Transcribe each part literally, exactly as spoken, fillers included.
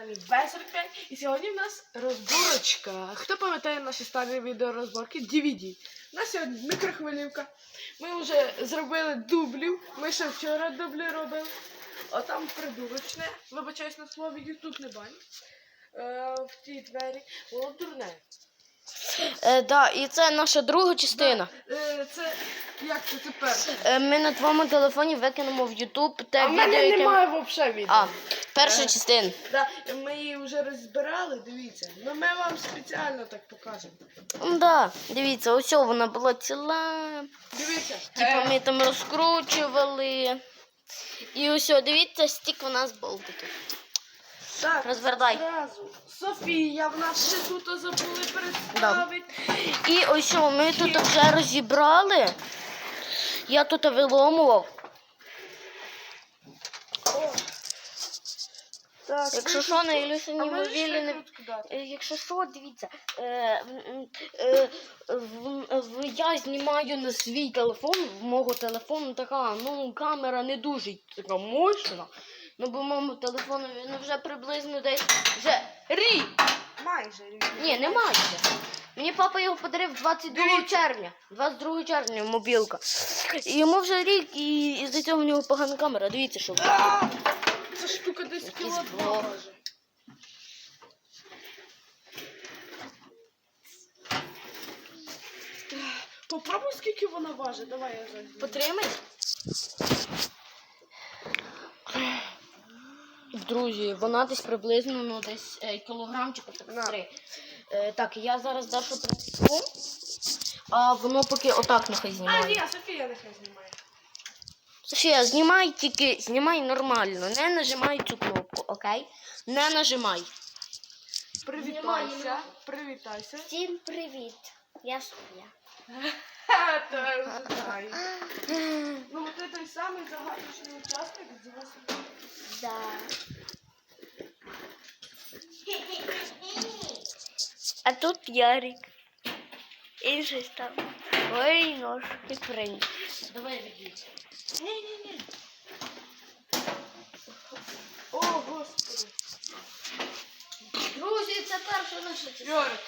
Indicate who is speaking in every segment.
Speaker 1: каналі Ве сорок п'ять. І сьогодні в нас розборочка. Хто пам'ятає наші старі відеорозборки? ді ві ді. У нас сьогодні мікрохвилівка. Ми вже зробили дублів. Ми ще вчора дублі робили. А там придурочне. Вибачаюсь на слові, ютуб не бань. Е, в тій двері. Воно дурне.
Speaker 2: Е, да, і це наша друга частина.
Speaker 1: Да. Е, це як це тепер?
Speaker 2: Е, ми на твоєму телефоні викинемо в Ютуб те
Speaker 1: А в
Speaker 2: відео,
Speaker 1: мене
Speaker 2: яке...
Speaker 1: немає взагалі відео.
Speaker 2: А, перша
Speaker 1: Е.
Speaker 2: частина.
Speaker 1: Да, ми її вже розбирали, дивіться. Ну ми вам спеціально так покажемо.
Speaker 2: Ну, да, дивіться, ось вона була ціла.
Speaker 1: Дивіться.
Speaker 2: Типа ми там розкручували. І ось, дивіться, стік у нас болтиків.
Speaker 1: Так,
Speaker 2: Розвертай.
Speaker 1: зразу. Софія, в нас ще тут забули представити.
Speaker 2: І ось ми тут вже розібрали. Я тут виломував.
Speaker 1: О. Так,
Speaker 2: Якщо що, на Ілюсині
Speaker 1: а можеш
Speaker 2: мобілі не...
Speaker 1: викрутку дати?
Speaker 2: Е, Якщо що, дивіться, е, м, е, в, в, я знімаю на свій телефон, в мого телефону така, ну, камера не дуже така мощна, ну, бо моєму телефону він вже приблизно десь вже рік.
Speaker 1: Майже.
Speaker 2: Ні, не майже. Мені папа його подарив двадцять другого червня. двадцять другого червня мобілка. І йому вже рік, і із-за цього в нього погана камера. Дивіться, що.
Speaker 1: А! Ця штука десь
Speaker 2: Якийсь
Speaker 1: кіло два
Speaker 2: блок.
Speaker 1: може. Попробуй, скільки вона важить. Давай я зараз.
Speaker 2: Потримай. Друзі, вона десь приблизно, ну, десь е, кілограмчика так три. Е, так, я зараз Дашу принесу, а воно поки отак нехай
Speaker 1: А,
Speaker 2: знімає.
Speaker 1: ні, Софія нехай знімає.
Speaker 2: Софія, знімай тільки, знімай нормально, не нажимай цю кнопку, окей? Не нажимай.
Speaker 1: Привітайся. Привітайся.
Speaker 2: Всім привіт, я Софія.
Speaker 1: Ха, то я вже знаю. Ну, от це той самий загадочний учасник з восьми.
Speaker 2: Да. А тут Ярик. І щось там. Ой, ножки приніс. Давай відійдь.
Speaker 1: Ні-ні-ні. О, Господи.
Speaker 2: Друзі, це перша наша частина.
Speaker 1: Йорик.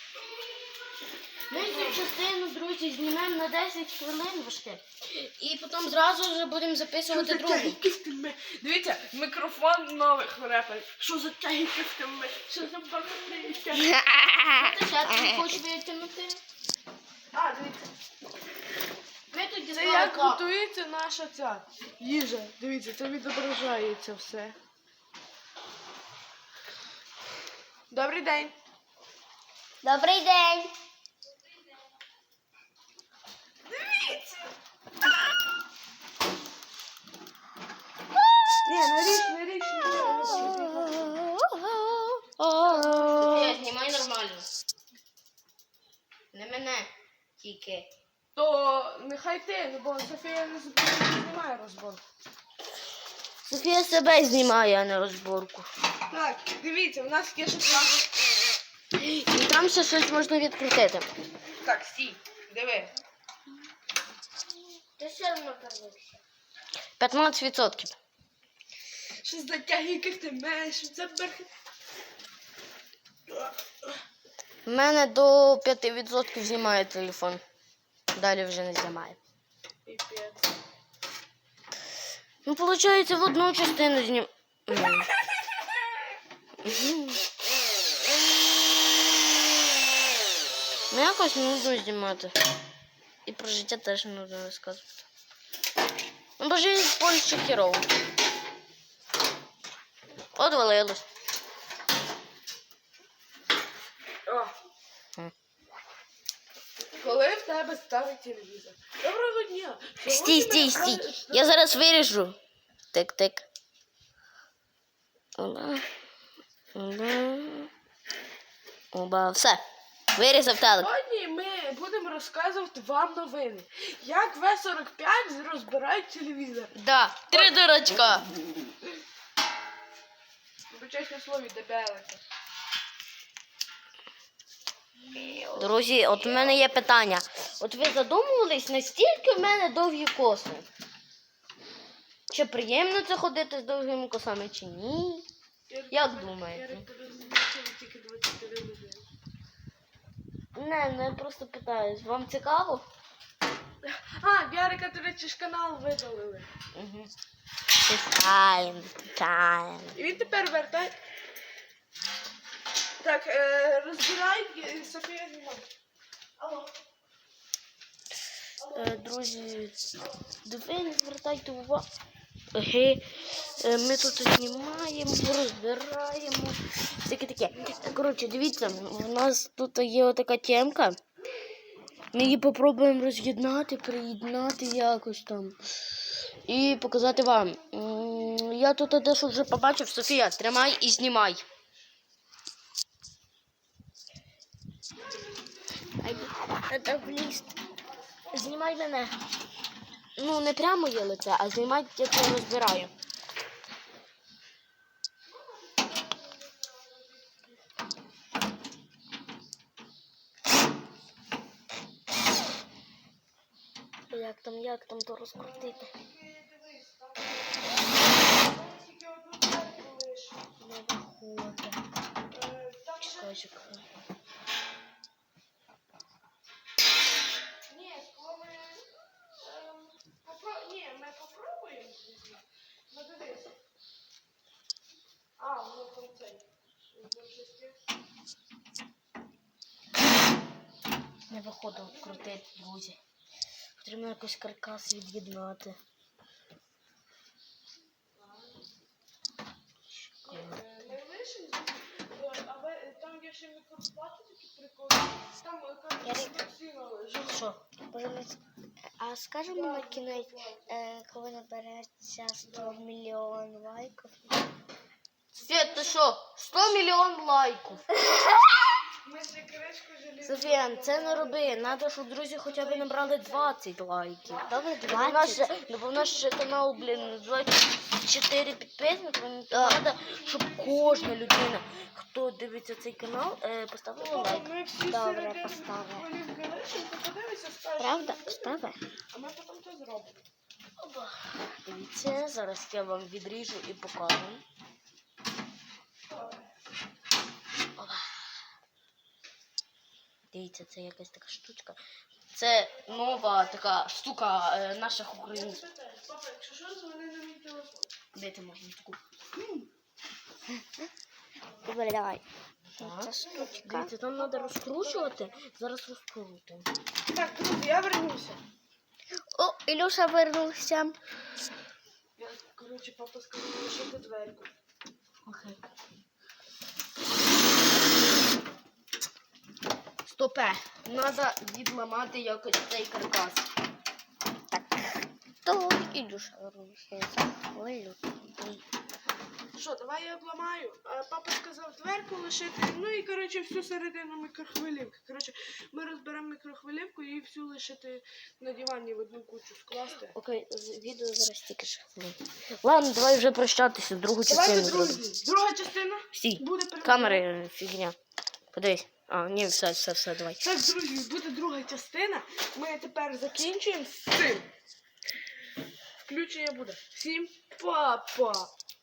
Speaker 2: Ми цю частину, друзі, знімаємо на десять хвилин важке. І потім зразу вже будемо записувати другу.
Speaker 1: Дивіться, мікрофон нових реперів. Що за тяги кистами? Що за багатися?
Speaker 2: Ти ще ти хочеш витягнути?
Speaker 1: А, дивіться.
Speaker 2: Ми тут
Speaker 1: Це як готується наша ця їжа. Дивіться, це відображається все. Добрий день.
Speaker 2: Добрий день.
Speaker 1: Дивіться. Ні, не річ, не річ, не
Speaker 2: Софія, знімай нормально. Не мене тільки.
Speaker 1: То нехай ти, ну бо Софія не знімає розборку.
Speaker 2: Софія себе знімає, а не розборку.
Speaker 1: Так, дивіться, у нас є ще план.
Speaker 2: І там ще щось можна відкрутити.
Speaker 1: Так, стій, диви.
Speaker 2: Ти все одно перевився. п'ятнадцять відсотків.
Speaker 1: Що за тяги, як ти маєш? Що це берх...
Speaker 2: У мене до п'яти відсотків знімає телефон. Далі вже не знімає.
Speaker 1: Піпець.
Speaker 2: Ну, виходить, в одну частину знім... Ну, якось нудно знімати. І про життя теж нудно розказувати. Ну, бо життя в Польщі хірово. Одвалилось.
Speaker 1: О.
Speaker 2: М.
Speaker 1: Коли в тебе старий телевізор? Доброго дня.
Speaker 2: Стій,
Speaker 1: Сьогодні
Speaker 2: стій,
Speaker 1: ми
Speaker 2: стій.
Speaker 1: розкажемо-
Speaker 2: Я зараз виріжу. Тик-тик. Оба. Оба. Оба. Все. Вирізав телек.
Speaker 1: Сьогодні ми будемо розказувати вам новини. Як Ве сорок п'ять розбирають телевізор.
Speaker 2: Да. Три дурачка.
Speaker 1: Вибачаюсь на слові, дебелики.
Speaker 2: Друзі, от у мене є питання. От ви задумувались, настільки в мене довгі коси? Чи приємно це ходити з довгими косами, чи ні? Як думаєте?
Speaker 1: Ярик розмічив тільки двадцять чотири людини.
Speaker 2: Не, не просто питаюсь. Вам цікаво?
Speaker 1: А, в Ярика, до речі, ж канал видалили.
Speaker 2: Угу. Питаємо, питаємо.
Speaker 1: І він тепер вертай. Так, е, розбирай, і Софія знімає. Алло. Алло.
Speaker 2: Е, друзі, ви не звертайте увагу. Е, е, ми тут знімаємо, розбираємо. Таке таке. Коротше, дивіться, у нас тут є отака темка. Ми її попробуємо роз'єднати, приєднати якось там. І показати вам. М, Я тут дещо вже побачив. Софія, тримай і знімай. Знімай мене. Ну, не прямо є лице, а знімай, як я розбираю. Як там, як там то розкрутити? Не виходить. Чекай, чекай.
Speaker 1: Ні, коли ми... ем, попро- Ні, ми попробуємо. Ну, дивись. А, ну там цей.
Speaker 2: Не виходить крутити, друзі. Потрібно якось каркас від'єднати.
Speaker 1: Ми лишимо, а ви- там є ще мікроплати такі прикольні. Там
Speaker 2: Ярик.
Speaker 1: сіно лежить.
Speaker 2: Що?
Speaker 3: А скажемо на кінець, е, коли набереться сто мільйонів лайків.
Speaker 2: Свет, ти що? сто мільйон лайків.
Speaker 1: Ми ще кришку желізну.
Speaker 2: Софія, це не роби. Надо, щоб друзі хоча б набрали двадцять лайків.
Speaker 3: Добре,
Speaker 2: Бо в нас
Speaker 3: двадцять.
Speaker 2: ще, бо в нас ще канал, блін, двадцять чотири підписники. Мені треба, щоб кожна людина, хто дивиться цей канал, е, поставила лайк.
Speaker 1: Ми всі
Speaker 3: Добре,
Speaker 1: середини
Speaker 3: поставлю.
Speaker 1: голівки лишимо, ти подивися, скажеш.
Speaker 3: Правда? Постави.
Speaker 1: А ми потім це зробимо.
Speaker 2: Дивіться, зараз я вам відріжу і покажу. Опа. Дивіться, це якась така штучка. Це нова така штука е, наших українців.
Speaker 1: Папа, якщо що, дзвони на мій телефон.
Speaker 2: Де ти можна таку?
Speaker 3: Добре, давай.
Speaker 2: Так.
Speaker 3: Це штучка.
Speaker 2: Дивіться, там треба розкручувати. Зараз розкрутимо.
Speaker 1: Так, друзі, я вернуся.
Speaker 3: О, Ілюша вернувся.
Speaker 1: Я, коротше, папа сказав лишити дверку.
Speaker 2: Окей. Стопе. Треба відламати якось цей каркас.
Speaker 3: То Ілюша вернувся. Я захвилю.
Speaker 1: Що, давай я обламаю. А папа сказав дверку лишити. Ну і, коротше, всю середину мікрохвилівки. Коротше, ми розберемо мікрохвилівку і всю лишити на дивані в одну кучу скласти.
Speaker 2: Окей, з- відео зараз тільки ж хвилин. Ладно, давай вже прощатися, другу
Speaker 1: Давайте,
Speaker 2: частину зробимо.
Speaker 1: друзі, друга частина
Speaker 2: Стій,
Speaker 1: буде перед-
Speaker 2: камери фігня. Подивись. А, ні, все, все, все, давай.
Speaker 1: Так, друзі, буде друга частина. Ми тепер закінчуємо з цим. Включення буде. Всім па-па!